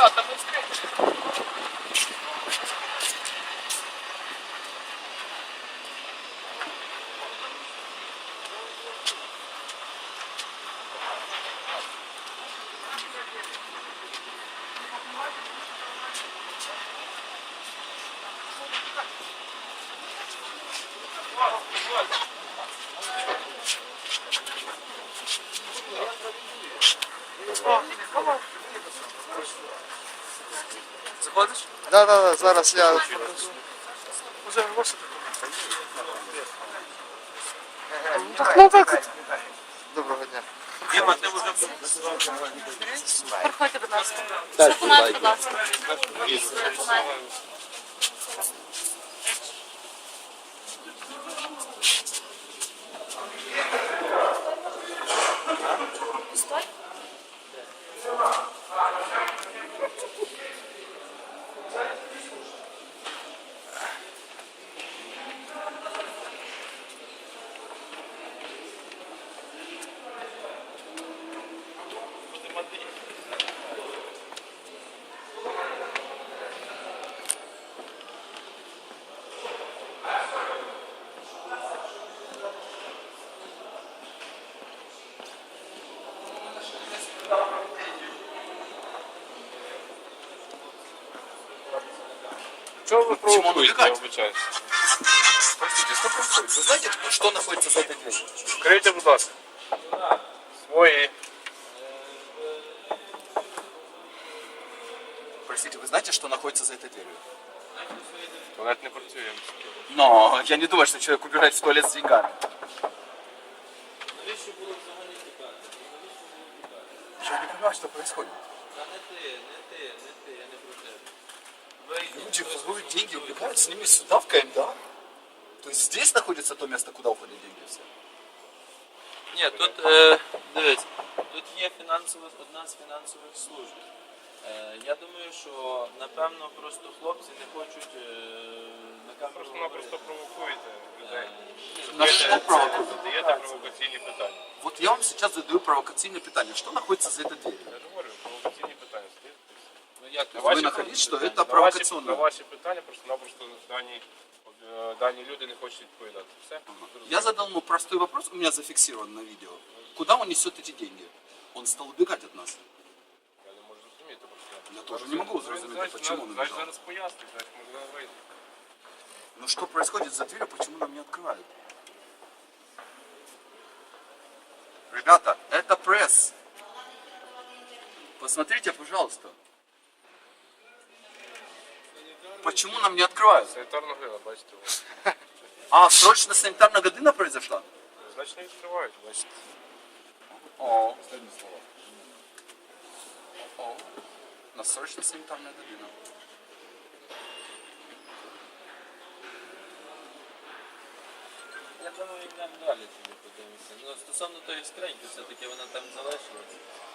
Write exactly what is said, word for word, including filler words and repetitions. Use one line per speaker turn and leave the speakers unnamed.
ребята, мы встретились. Заходиш?
Да, да, да, зараз я.
Уже ваша
Так, ну так. Доброго дня.
Проходьте, будь ласка. Документ, будь ласка. Документ. Пустой?
Чего вы
Почему он
провокуете, я
убегает?
обучаюсь?
Простите, что происходит? Вы знаете, что находится за этой дверью?
Крийте, будь ласка. Свої.
Простите, вы знаете, что находится за этой дверью?
Туалет не працює.
Но я не думаю, что человек убирает в туалет с деньгами. Я не понимаю, что происходит. Люди воруют деньги, убегают с ними сюда, в КМДА? То есть здесь находится то место, куда уходят деньги все?
Ні, тут, е, дивіться, тут є фінансових, одна з фінансових служб. Е, я думаю, що, напевно, просто хлопці не хочуть е, на камеру
Просто-напросто провокуєте людей.
На что провокуют?
Задаєте провокаційні питання.
Вот я вам сейчас задаю провокационное питание. Что находится за этой дверью?
Я ж говорю, провокаційні питання.
Ну, як
На
Вы
ваші
находите, что
питання-
это
на ваші-
провокационно?
На ваші питання просто-напросто дані, е, дані люди не хочуть відповідати. Все?
Я задал ему простой вопрос, у меня зафиксирован на видео. Куда он несет эти деньги? Он стал убегать от нас.
Я не можу зрозуміти просто.
Я тоже не могу зрозуміти,
Значить,
почему он
значить,
убежал.
зараз пояснить, значить, можливо, вийде.
Ну что происходит за дверью, почему нам не открывают? Ребята, это пресс. Посмотрите, пожалуйста. Почему нам не открывают?
Санітарна грила, бачите ви.
А, срочно санитарная година произошла?
Значить, не відкривають, бачите.
О. О. На срочно санитарная година.
Я думаю, йдемо далі тоді подивимося. Ну, стосовно тої скриньки, все-таки вона там залишилася.